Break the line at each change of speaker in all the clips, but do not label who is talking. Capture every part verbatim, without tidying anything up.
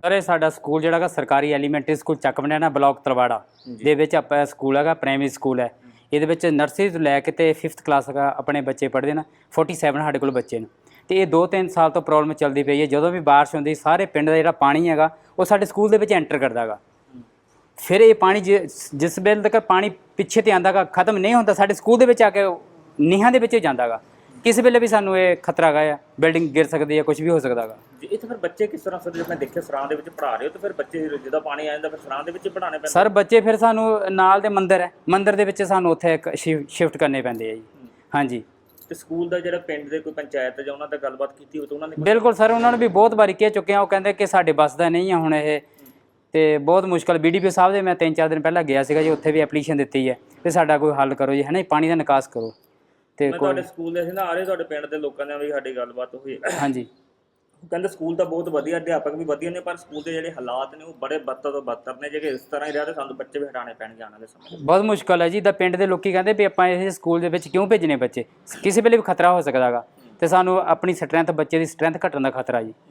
Sir ये साडा school जिहड़ा सरकारी एलीमेंटरी स्कूल ਚੱਕ ਬਣਿਆਣਾ ਬਲਾਕ ਤਲਵਾੜਾ ਦੇ ਵਿੱਚ ਆਪਾਂ ਸਕੂਲ ਹੈਗਾ ਪ੍ਰਾਇਮਰੀ ਸਕੂਲ ਹੈ। ਇਹਦੇ ਵਿੱਚ ਨਰਸਰੀ ਤੋਂ ਲੈ ਕੇ ਤੇ ਫਿਫਥ ਕਲਾਸ ਤੱਕ ਆਪਣੇ ਬੱਚੇ ਪੜ੍ਹਦੇ ਨੇ। सैंतालीस ਸਾਡੇ ਕੋਲ ਬੱਚੇ ਨੇ ਤੇ ਇਹ ਦੋ ਤਿੰਨ ਸਾਲ ਤੋਂ ਪ੍ਰੋਬਲਮ ਚੱਲਦੀ ਪਈ ਹੈ। ਜਦੋਂ ਵੀ ਬਾਰਿਸ਼ ਹੁੰਦੀ ਸਾਰੇ ਪਿੰਡ ਦਾ ਜਿਹੜਾ ਪਾਣੀ ਹੈਗਾ ਉਹ ਸਾਡੇ ਸਕੂਲ ਦੇ ਵਿੱਚ ਐਂਟਰ ਕਰਦਾ ਹੈਗਾ। ਫਿਰ ਇਹ ਪਾਣੀ ਜਿਸ ਵੇਲੇ ਤੱਕ ਪਾਣੀ ਪਿੱਛੇ ਤੇ ਆਂਦਾ ਗਾ ਖਤਮ ਨਹੀਂ ਹੁੰਦਾ ਸਾਡੇ ਸਕੂਲ ਦੇ ਵਿੱਚ ਆ ਕੇ ਨੀਹਾਂ ਦੇ ਵਿੱਚ ਜਾਂਦਾ ਗਾ। किस वेले भी सानू ये खतरा गया बिल्डिंग गिर सकती है कुछ भी हो सकता है।
इत्थे फिर बच्चे किस तरह से मैं देखे सरां दे विच पढ़ा रहे हो तो फिर बच्चे जिदा पानी आ जांदा फिर सरां दे विच पढ़ाने पैंदे
सर बच्चे फिर सानू नाल दे मंदिर है मंदिर दे विच सानू उत्थे एक शिफ्ट करने पैंदे है जी। हाँ जी
ਤੇ ਸਕੂਲ ਦਾ ਜਿਹੜਾ ਪਿੰਡ ਦੇ ਕੋਈ ਪੰਚਾਇਤ ਜਾਂ ਉਹਨਾਂ ਦਾ ਗੱਲਬਾਤ ਕੀਤੀ ਹੋ ਤਾਂ ਉਹਨਾਂ ਨੇ
ਬਿਲਕੁਲ ਸਰ ਉਹਨਾਂ ਨੂੰ ਵੀ ਬਹੁਤ ਵਾਰੀ ਕਹਿ ਚੁੱਕੇ ਆ। ਉਹ ਕਹਿੰਦੇ ਕਿ ਸਾਡੇ ਬਸ ਦਾ ਨਹੀਂ ਆ ਹੁਣ ਇਹ ਤੇ ਬਹੁਤ ਮੁਸ਼ਕਲ ਬੀਡੀਪੀ ਸਾਹਿਬ ਦੇ ਮੈਂ ਤਿੰਨ ਚਾਰ ਦਿਨ ਪਹਿਲਾਂ ਗਿਆ ਸੀਗਾ ਜੀ ਉੱਥੇ ਵੀ ਐਪਲੀਕੇਸ਼ਨ ਦਿੱਤੀ ਹੈ ਤੇ ਸਾਡਾ ਕੋਈ ਹੱਲ ਕਰੋ ਜੀ ਹੈ ਨਾ ਪਾਣੀ ਦਾ ਨਿਕਾਸ ਕਰੋ। ਤੇ
ਤੁਹਾਡੇ ਸਕੂਲ ਦੇ ਅਸੀਂ ਨਾ ਆ ਰਹੇ ਤੁਹਾਡੇ ਪਿੰਡ ਦੇ ਲੋਕਾਂ ਨਾਲ ਵੀ ਸਾਡੀ ਗੱਲਬਾਤ ਹੋਈ।
ਹਾਂਜੀ
ਕਹਿੰਦੇ ਸਕੂਲ ਤਾਂ ਬਹੁਤ ਵਧੀਆ ਅਧਿਆਪਕ ਵੀ ਵਧੀਆ ਨੇ ਪਰ ਸਕੂਲ ਦੇ ਜਿਹੜੇ ਹਾਲਾਤ ਨੇ ਉਹ ਬੜੇ ਬੱਤਰ ਤੋਂ ਬੱਤਰ ਨੇ। ਜੇ ਇਸ ਤਰ੍ਹਾਂ ਹੀ ਰਿਹਾ ਤਾਂ ਸਾਨੂੰ ਬੱਚੇ ਵੀ ਹਟਾਉਣੇ ਪੈਣਗੇ ਆਉਣ ਵਾਲੇ ਸਮੇਂ ਬਹੁਤ
ਮੁਸ਼ਕਲ ਹੈ ਜੀ। ਦਾ ਪਿੰਡ ਦੇ ਲੋਕੀ ਕਹਿੰਦੇ ਵੀ ਆਪਾਂ ਇਹ ਸਕੂਲ ਦੇ ਵਿੱਚ ਕਿਉਂ ਭੇਜਣੇ ਬੱਚੇ ਕਿਸੇ ਵੇਲੇ ਵੀ ਖਤਰਾ ਹੋ ਸਕਦਾ ਗਾ ਤੇ ਸਾਨੂੰ ਆਪਣੀ ਸਟਰੈਂਥ ਬੱਚੇ ਦੀ ਸਟਰੈਂਥ ਘਟਣ ਦਾ ਖਤਰਾ ਜੀ।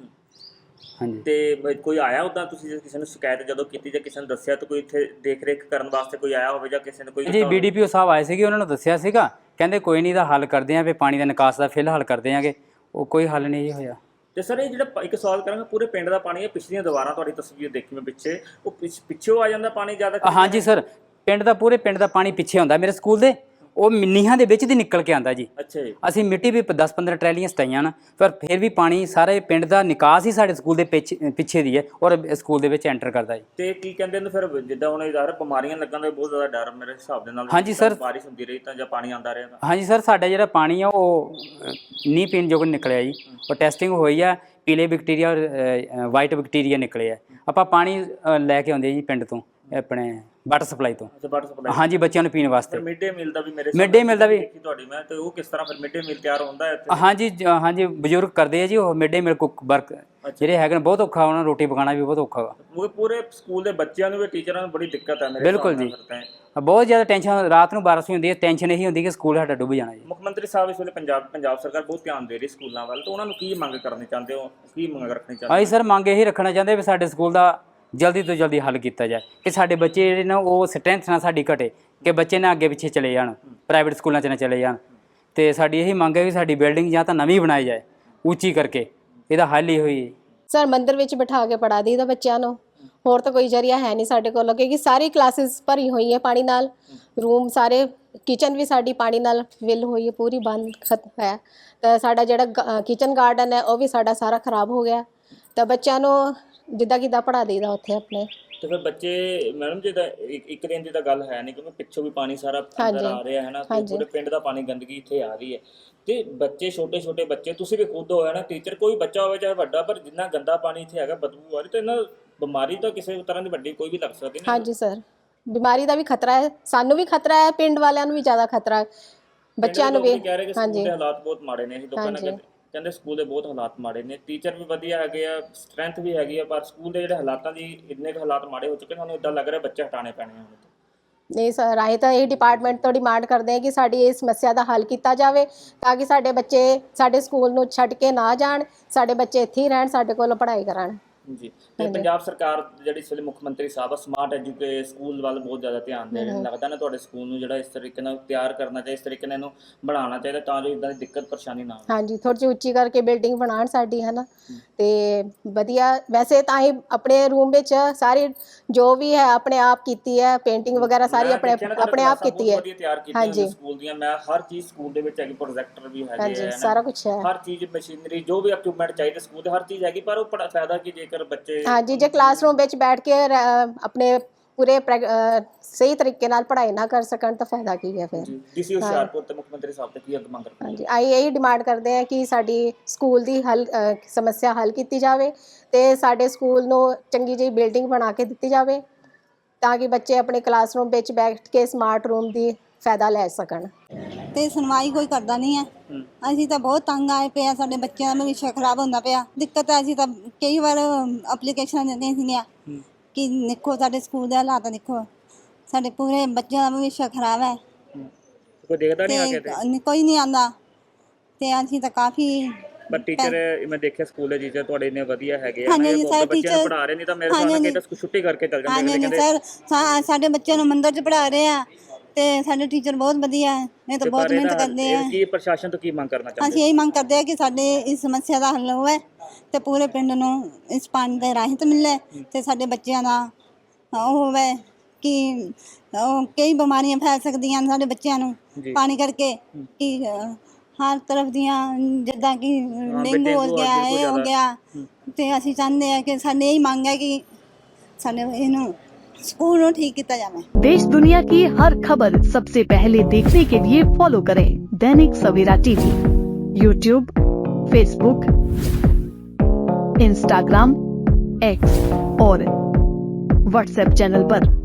ਹਾਂਜੀ
ਤੇ ਕੋਈ ਆਇਆ ਉੱਦਾਂ ਤੁਸੀਂ ਕਿਸੇ ਨੂੰ ਸ਼ਿਕਾਇਤ ਜਦੋਂ ਕੀਤੀ ਜਾਂ ਕਿਸੇ ਨੂੰ ਦੱਸਿਆ ਤਾਂ ਕੋਈ ਇੱਥੇ ਦੇਖ ਰੇਖ ਕਰਨ ਵਾਸਤੇ ਕੋਈ ਆਇਆ ਹੋਵੇ ਜਾਂ ਕਿਸੇ ਨੇ ਕੋਈ
ਜੀ ਬੀਡੀਪੀਓ ਸਾਹਿਬ ਆਏ ਸੀਗੇ ਉਹਨਾਂ ਨੂੰ ਦੱਸਿਆ ਸੀਗਾ ਕਹਿੰਦੇ ਕੋਈ ਨਹੀਂ ਦਾ ਹੱਲ ਕਰਦੇ ਆਂ ਵੀ ਪਾਣੀ ਦਾ ਨਿਕਾਸ ਦਾ ਫਿਲਹਾਲ ਕਰਦੇ ਆਂਗੇ। ਉਹ ਕੋਈ ਹੱਲ ਨਹੀਂ ਹੋਇਆ। ਤੇ ਸਰ ਇਹ ਜਿਹੜਾ ਇੱਕ ਸਵਾਲ ਕਰਾਂਗਾ ਪੂਰੇ ਪਿੰਡ ਦਾ ਪਾਣੀ ਹੈ ਪਿਛਲੀਆਂ ਦੀਵਾਰਾਂ ਤੁਹਾਡੀ ਤਸਵੀਰ ਦੇਖੀ ਮੈਂ ਪਿੱਛੇ ਉਹ ਪਿੱਛੋਂ ਆ ਜਾਂਦਾ ਪਾਣੀ ਜ਼ਿਆਦਾ। ਹਾਂਜੀ ਸਰ ਪਿੰਡ ਦਾ ਪੂਰੇ ਪਿੰਡ ਦਾ ਪਾਣੀ ਪਿੱਛੇ ਹੁੰਦਾ ਮੇਰੇ ਸਕੂਲ ਦੇ ਉਹ ਨੀਹਾਂ ਦੇ ਵਿੱਚ ਦੀ ਨਿਕਲ ਕੇ ਆਉਂਦਾ ਜੀ।
ਅੱਛਾ ਜੀ
ਅਸੀਂ ਮਿੱਟੀ ਵੀ ਦਸ ਪੰਦਰਾਂ ਟਰੈਲੀਆਂ ਸਟਾਈਆਂ ਨਾ ਪਰ ਫਿਰ ਵੀ ਪਾਣੀ ਸਾਰੇ ਪਿੰਡ ਦਾ ਨਿਕਾਸ ਹੀ ਸਾਡੇ ਸਕੂਲ ਦੇ ਪਿੱਛੇ ਦੀ ਹੈ ਔਰ ਸਕੂਲ ਦੇ ਵਿੱਚ ਐਂਟਰ ਕਰਦਾ ਜੀ।
ਤੇ ਕੀ ਕਹਿੰਦੇ ਨੇ ਫਿਰ ਜਿੱਦਾਂ ਹੁਣ ਯਾਰ ਬਿਮਾਰੀਆਂ ਲੱਗਣ ਦਾ ਬਹੁਤ ਜ਼ਿਆਦਾ ਡਰ ਮੇਰੇ ਹਿਸਾਬ ਦੇ ਨਾਲ।
ਹਾਂਜੀ ਸਰ
ਬਾਰਿਸ਼ ਹੁੰਦੀ ਰਹੀ ਤਾਂ ਜਾਂ ਪਾਣੀ ਆਉਂਦਾ ਰਿਹਾ ਤਾਂ
ਹਾਂਜੀ ਸਰ ਸਾਡਾ ਜਿਹੜਾ ਪਾਣੀ ਆ ਉਹ ਨੀ ਪੀਣ ਯੋਗ ਨਿਕਲਿਆ ਜੀ। ਉਹ ਟੈਸਟਿੰਗ ਹੋਈ ਆ ਪੀਲੇ ਬੈਕਟੀਰੀਆ ਔਰ ਵਾਈਟ ਬੈਕਟੀਰੀਆ ਨਿਕਲੇ ਆ। ਆਪਾਂ ਪਾਣੀ ਲੈ ਕੇ ਆਉਂਦੇ ਜੀ ਪਿੰਡ ਤੋਂ ਆਪਣੇ ਵਾਟਰ ਸਪਲਾਈ ਤੋਂ। ਹਾਂਜੀ ਬੱਚਿਆਂ ਨੂੰ ਪੀਣ ਵਾਸਤੇ।
ਮਿਡ ਡੇ ਮੀਲ ਦਾ ਵੀ ਮੇਰੇ
ਮਿਡ ਡੇ ਮੀਲ ਦਾ ਵੀ
ਤੁਹਾਡੀ ਮੈਂ ਤੇ ਉਹ ਕਿਸ ਤਰ੍ਹਾਂ ਫਿਰ ਮਿਡ ਡੇ ਮੀਲ ਤਿਆਰ ਹੁੰਦਾ ਹੈ ਇੱਥੇ?
ਹਾਂਜੀ ਹਾਂਜੀ ਬਜ਼ੁਰਗ ਕਰਦੇ ਆ ਜੀ ਉਹ mid day meal cook work ਜਿਹੜੇ ਹੈਗੇ ਨੇ ਬਹੁਤ ਔਖਾ ਉਹਨਾਂ ਨੂੰ ਰੋਟੀ ਪਕਾਉਣਾ ਵੀ ਬਹੁਤ ਔਖਾ ਵਾ।
ਪੂਰੇ ਸਕੂਲ ਦੇ ਬੱਚਿਆਂ ਨੂੰ ਵੀ ਟੀਚਰਾਂ ਨੂੰ ਬੜੀ ਦਿੱਕਤ ਹੈ ਮੇਰੇ।
ਬਿਲਕੁਲ ਜੀ ਬਹੁਤ ਜ਼ਿਆਦਾ ਟੈਨਸ਼ਨ ਰਾਤ ਨੂੰ ਬਾਰਿਸ਼ ਹੁੰਦੀ ਹੈ ਟੈਨਸ਼ਨ ਇਹੀ ਹੁੰਦੀ ਕਿ ਸਕੂਲ ਸਾਡਾ ਡੁੱਬ ਜਾਣਾ ਜੀ।
ਮੁੱਖ ਮੰਤਰੀ ਸਾਹਿਬ ਇਸ ਵੇਲੇ ਪੰਜਾਬ ਪੰਜਾਬ ਸਰਕਾਰ ਬਹੁਤ ਧਿਆਨ ਦੇ ਰਹੀ ਸਕੂਲਾਂ ਵੱਲ ਤਾਂ ਉਹਨਾਂ ਨੂੰ ਕੀ ਮੰਗ ਕਰਨੀ ਚਾਹੁੰਦੇ ਹੋ ਕੀ ਮੰਗ ਰੱਖਣੀ ਚਾਹੁੰਦੇ?
ਅਸੀਂ ਸਰ ਮੰਗ ਇਹੀ ਰੱਖਣਾ ਚਾਹੁੰਦੇ ਵੀ ਸਾਡੇ ਸਕੂਲ ਦਾ ਜਲਦੀ ਤੋਂ ਜਲਦੀ ਹੱਲ ਕੀਤਾ ਜਾਏ ਕਿ ਸਾਡੇ ਬੱਚੇ ਜਿਹੜੇ ਨੇ ਉਹ ਸਟਰੈਂਥ ਨਾਲ ਸਾਡੀ ਘਟੇ ਕਿ ਬੱਚੇ ਨਾ ਅੱਗੇ ਪਿੱਛੇ ਚਲੇ ਜਾਣ ਪ੍ਰਾਈਵੇਟ ਸਕੂਲਾਂ 'ਚ ਨਾ ਚਲੇ ਜਾਣ। ਤੇ ਸਾਡੀ ਇਹੀ ਮੰਗ ਹੈ ਕਿ ਸਾਡੀ ਬਿਲਡਿੰਗ ਜਾਂ ਤਾਂ ਨਵੀਂ ਬਣਾਈ ਜਾਏ ਉੱਚੀ ਕਰਕੇ ਇਹਦਾ ਹੱਲ ਹੀ ਹੋਈ।
ਸਰ ਮੰਦਿਰ ਵਿੱਚ ਬਿਠਾ ਕੇ ਪੜ੍ਹਾ ਦਈਦਾ ਬੱਚਿਆਂ ਨੂੰ ਹੋਰ ਤਾਂ ਕੋਈ ਜ਼ਰੀਆ ਹੈ ਨਹੀਂ ਸਾਡੇ ਕੋਲ ਕਿਉਂਕਿ ਸਾਰੀ ਕਲਾਸਿਸ ਭਰੀ ਹੋਈ ਹੈ ਪਾਣੀ ਨਾਲ। ਰੂਮ ਸਾਰੇ ਕਿਚਨ ਵੀ ਸਾਡੀ ਪਾਣੀ ਨਾਲ ਫਿਲ ਹੋਈ ਹੈ ਪੂਰੀ ਬੰਦ ਖਤਮ ਹੈ। ਤਾਂ ਸਾਡਾ ਜਿਹੜਾ ਕਿਚਨ ਗਾਰਡਨ ਹੈ ਉਹ ਵੀ ਸਾਡਾ ਸਾਰਾ ਖਰਾਬ ਹੋ ਗਿਆ। ਤਾਂ ਬੱਚਿਆਂ ਨੂੰ ਜਿੱਦਾਂ ਕਿੱਦਾਂ ਪੜ੍ਹਾ ਦਈਦਾ ਉੱਥੇ ਆਪਣੇ।
ਤੇ ਫਿਰ ਬੱਚੇ ਮੈਡਮ ਜੀ ਦਾ ਇੱਕ ਦਿਨ ਦੀ ਤਾਂ ਗੱਲ ਹੈ ਨਹੀਂ ਕਿਉਂਕਿ ਪਿੱਛੋਂ ਵੀ ਪਾਣੀ ਸਾਰਾ ਅੰਦਰ ਆ ਰਿਹਾ ਹੈ ਨਾ ਤੇ ਪੂਰੇ ਪਿੰਡ ਦਾ ਪਾਣੀ ਗੰਦਗੀ ਇੱਥੇ ਆ ਰਹੀ ਹੈ ਤੇ ਬੱਚੇ ਛੋਟੇ ਛੋਟੇ ਬੱਚੇ ਤੁਸੀਂ ਵੀ ਖੁਦ ਹੋਇਆ ਨਾ ਟੀਚਰ ਕੋਈ ਬੱਚਾ ਹੋਵੇ ਚਾਹੇ ਵੱਡਾ ਪਰ ਜਿੰਨਾ ਗੰਦਾ ਪਾਣੀ ਇੱਥੇ ਹੈਗਾ ਬਦਬੂ ਆ ਰਹੀ ਤਾਂ ਇਹਨਾਂ ਬਿਮਾਰੀ ਤਾਂ ਕਿਸੇ ਤਰ੍ਹਾਂ ਦੀ ਵੱਡੀ ਕੋਈ ਵੀ ਲੱਗ ਸਕਦੀ ਨਹੀਂ।
ਹਾਂਜੀ ਸਰ ਬਿਮਾਰੀ ਦਾ ਵੀ ਖਤਰਾ ਹੈ ਸਾਨੂੰ ਵੀ ਖਤਰਾ ਹੈ ਪਿੰਡ ਵਾਲਿਆਂ ਨੂੰ ਵੀ ਜ਼ਿਆਦਾ ਖਤਰਾ ਬੱਚਿਆਂ ਨੂੰ ਵੀ।
ਹਾਂਜੀ ਹਾਲਾਤ ਬਹੁਤ ਮਾੜੇ ਨੇ ਅਸੀਂ ਲੋਕਾਂ ਨੇ ਕਹਿੰਦੇ ਸਕੂਲ ਦੇ ਬਹੁਤ ਹਾਲਾਤ ਮਾੜੇ ਨੇ ਟੀਚਰ ਵੀ ਵਧੀਆ ਹੈਗੇ ਆ ਸਟਰੈਂਥ ਵੀ ਹੈਗੀ ਆ ਪਰ ਸਕੂਲ ਦੇ ਜਿਹੜੇ ਹਾਲਾਤਾਂ ਦੀ ਇੰਨੇ ਕੁ ਹਾਲਾਤ ਮਾੜੇ ਹੋ ਚੁੱਕੇ ਸਾਨੂੰ ਇੱਦਾਂ ਲੱਗ ਰਿਹਾ ਬੱਚੇ ਹਟਾਉਣੇ ਪੈਣੇ ਹੁਣ।
ਨਹੀਂ ਸਰ ਅਸੀਂ ਤਾਂ ਇਹ ਡਿਪਾਰਟਮੈਂਟ ਤੋਂ ਡਿਮਾਂਡ ਕਰਦੇ ਹਾਂ ਕਿ ਸਾਡੀ ਇਸ ਸਮੱਸਿਆ ਦਾ ਹੱਲ ਕੀਤਾ ਜਾਵੇ ਤਾਂ ਕਿ ਸਾਡੇ ਬੱਚੇ ਸਾਡੇ ਸਕੂਲ ਨੂੰ ਛੱਡ ਕੇ ਨਾ ਜਾਣ ਸਾਡੇ ਬੱਚੇ ਇੱਥੇ ਹੀ ਰਹਿਣ ਸਾਡੇ ਕੋਲ ਪੜ੍ਹਾਈ ਕਰਨ
ਜੀ। ਤੇ ਪੰਜਾਬ ਸਰਕਾਰ ਜਿਹੜੀ ਇਸ ਵੇਲੇ ਮੁੱਖ ਮੰਤਰੀ ਸਾਹਿਬ ਸਮਾਰਟ ਐਜੂਕੇ ਸਕੂਲ ਵੱਲ ਬਹੁਤ ਜ਼ਿਆਦਾ ਧਿਆਨ ਦੇ ਰਹੇ ਨੇ। ਲੱਗਦਾ ਨਾ ਤੁਹਾਡੇ ਸਕੂਲ ਨੂੰ ਜਿਹੜਾ ਇਸ ਤਰੀਕੇ ਨਾਲ ਤਿਆਰ ਕਰਨਾ ਚਾਹੀਦਾ ਇਸ ਤਰੀਕੇ ਨਾਲ ਇਹਨੂੰ ਬਣਾਉਣਾ ਚਾਹੀਦਾ ਤਾਂ ਜੋ ਇਦਾਂ ਦੀ ਦਿੱਕਤ ਪਰੇਸ਼ਾਨੀ ਨਾ ਆਵੇ।
ਹਾਂਜੀ ਥੋੜ੍ਹੀ ਜਿਹੀ ਉੱਚੀ ਕਰਕੇ ਬਿਲਡਿੰਗ ਬਣਾਉਣ ਸਾਡੀ ਹੈ ਨਾ ਤੇ ਵਧੀਆ ਵੈਸੇ ਤਾਂ ਅਸੀਂ ਆਪਣੇ ਰੂਮ ਵਿੱਚ ਸਾਰੀ ਜੋ ਵੀ ਹੈ ਆਪਣੇ ਆਪ ਕੀਤੀ ਹੈ ਪੇਂਟਿੰਗ ਵਗੈਰਾ ਸਾਰੀ ਆਪਣੇ ਆਪਣੇ ਆਪ ਕੀਤੀ ਹੈ।
ਹਾਂਜੀ ਸਕੂਲ ਦੀਆਂ ਮੈਂ ਹਰ ਚੀਜ਼ ਸਕੂਲ ਦੇ ਵਿੱਚ ਹੈਗੀ ਪ੍ਰੋਜੈਕਟਰ ਵੀ ਹੈਗੇ ਆ
ਸਾਰਾ ਕੁਝ ਹੈ
ਹਰ ਚੀਜ਼ ਮਸ਼ੀਨਰੀ ਜੋ ਵੀ ਇਕਵਿਪਮੈਂਟ ਚਾਹੀਦੇ ਸਕੂਲ ਦੇ ਹਰ ਚੀਜ਼ ਹੈਗੀ ਪਰ ਉਹ ਫਾਇਦਾ ਕੀ ਜੇਕਰ ਬੱਚੇ
ਹਾਂਜੀ ਜੇ ਕਲਾਸਰੂਮ ਵਿੱਚ ਬੈਠ ਕੇ ਆਪਣੇ ਪੂਰੇ ਸਹੀ ਤਰੀਕੇ ਨਾਲ ਪੜ੍ਹਾਈ ਨਾ ਕਰ ਸਕਣ ਤਾਂ ਫਾਇਦਾ ਕੀ ਹੈ ਫਿਰ।
ਡੀਸੀ ਹੁਸ਼ਿਆਰਪੁਰ ਤੇ ਮੁੱਖ ਮੰਤਰੀ ਸਾਹਿਬ ਤੇ ਕੀ ਅੱਗ ਮੰਗ ਰੱਖਦੇ?
ਹਾਂਜੀ ਅਸੀਂ ਇਹੀ ਡਿਮਾਂਡ ਕਰਦੇ ਹਾਂ ਕਿ ਸਾਡੀ ਸਕੂਲ ਦੀ ਹੱਲ ਸਮੱਸਿਆ ਹੱਲ ਕੀਤੀ ਜਾਵੇ ਤੇ ਸਾਡੇ ਸਕੂਲ ਨੂੰ ਚੰਗੀ ਜਿਹੀ ਬਿਲਡਿੰਗ ਬਣਾ ਕੇ ਦਿੱਤੀ ਜਾਵੇ ਤਾਂ ਕਿ ਬੱਚੇ ਆਪਣੇ ਕਲਾਸਰੂਮ ਵਿੱਚ ਬੈਠ ਕੇ ਸਮਾਰਟ ਰੂਮ ਦੀ ਫਾਇਦਾ ਲੈ ਸਕਣ।
ਤੇ ਸੁਣਵਾਈ ਕੋਈ ਕਰਦਾ ਨਹੀਂ ਹੈ। ਅਸੀਂ ਤਾਂ ਬਹੁਤ ਤੰਗ ਆਏ ਪਏ ਆ ਸਾਡੇ ਬੱਚਿਆਂ ਦਾ ਭਵਿੱਖ ਖਰਾਬ ਹੁੰਦਾ ਪਿਆ ਦਿੱਕਤ ਹੈ। ਅਸੀਂ ਤਾਂ ਕਈ ਵਾਰ ਐਪਲੀਕੇਸ਼ਨਾਂ ਦਿੰਦੇ ਸੀਗੀਆਂ ਕਿ ਦੇਖੋ ਸਾਡੇ ਸਕੂਲ ਦੇ ਹਾਲਾਤ ਦੇਖੋ ਸਾਡੇ ਪੂਰੇ ਬੱਚਿਆਂ ਦਾ ਭਵਿੱਖ ਖਰਾਬ ਹੈ।
ਕੋਈ ਦੇਖਦਾ ਨਹੀਂ ਆ ਕੇ
ਕੋਈ ਨਹੀਂ ਆਉਂਦਾ ਤੇ ਅਸੀਂ ਤਾਂ ਕਾਫੀ
ਪਰ ਟੀਚਰ ਮੈਂ ਦੇਖਿਆ ਸਕੂਲ ਦੇ ਟੀਚਰ ਤੁਹਾਡੇ ਇੰਨੇ ਵਧੀਆ ਹੈਗੇ ਆ,
ਹਾਂਜੀ,
ਮੈਂ
ਜੀ,
ਬਹੁਤ
ਸਾਰੇ
ਬੱਚਿਆਂ ਨੂੰ
teacher-
ਪੜ੍ਹਾ ਰਹੇ, ਨਹੀਂ ਤਾਂ ਮੇਰੇ
ਹਾਂਜੀ,
ਸਾਹਮਣੇ
ਹਾਂਜੀ।
ਤਾਂ ਛੁੱਟੀ ਕਰਕੇ ਚੱਲ
ਹਾਂਜੀ
ਜਾਂਦੇ
ਹਾਂਜੀ
ਕਹਿੰਦੇ
ਸਰ ਸਾ- ਸਾਡੇ ਬੱਚਿਆਂ ਨੂੰ ਮੰਦਰ 'ਚ ਪੜ੍ਹਾ ਰਹੇ ਆ ਤੇ ਸਾਡੇ ਟੀਚਰ ਬਹੁਤ ਵਧੀਆ ਹੈ, ਇਹ ਤਾਂ
ਤੇ
ਬਹੁਤ
ਪਰ
ਮਿਹਨਤ
ਇਹਦਾ
ਕਰਦੇ ਆ।
ਇਹ ਕੀ ਪ੍ਰਸ਼ਾਸਨ ਤੋਂ ਕੀ ਮੰਗ ਕਰਨਾ ਚਾਹੁੰਦੇ
ਅਸੀਂ ਇਹੀ ਮੰਗ ਕਰਦੇ ਆ ਕਿ ਸਾਡੇ ਇਸ ਸਮੱਸਿਆ ਦਾ ਹੱਲ ਹੋਵੇ ਤੇ ਪੂਰੇ ਪਿੰਡ ਨੂੰ ਇਸ ਪਾਣੀ ਦੇ ਰਾਹਤ ਮਿਲੇ ਤੇ ਸਾਡੇ ਬੱਚਿਆਂ ਦਾ ਉਹ ਹੋਵੇ ਕਿ ਉਹ ਕਈ ਬਿਮਾਰੀਆਂ ਫੈਲ ਸਕਦੀਆਂ ਨੇ ਸਾਡੇ ਬੱਚਿਆਂ ਨੂੰ
ਜੀ।
ਪਾਣੀ ਕਰਕੇ ਕਿ ਅ, ਹਰ ਤਰਫ ਦੀਆਂ ਜਿੱਦਾਂ ਕਿ ਡੇਂਗੂ
ਡੇਂਗੂ
ਹੋ
ਆ,
ਗਿਆ
ਬਿਲਕੁਲ
ਇਹ ਹੋ
ਜ਼ਿਆਦਾ।
ਗਿਆ ਤੇ ਅਸੀਂ ਚਾਹੁੰਦੇ ਆ ਕਿ ਸਾਡੇ ਇਹੀ ਮੰਗ ਹੈ ਕਿ ਸਾਡੇ ਇਹਨੂੰ ਸਕੂਲ ਨੂੰ ठीक किया जाए।
देश दुनिया की हर खबर सबसे पहले देखने के लिए फॉलो करें Dainik Savera TV, YouTube, Facebook, Instagram, X और व्हाट्सएप चैनल पर।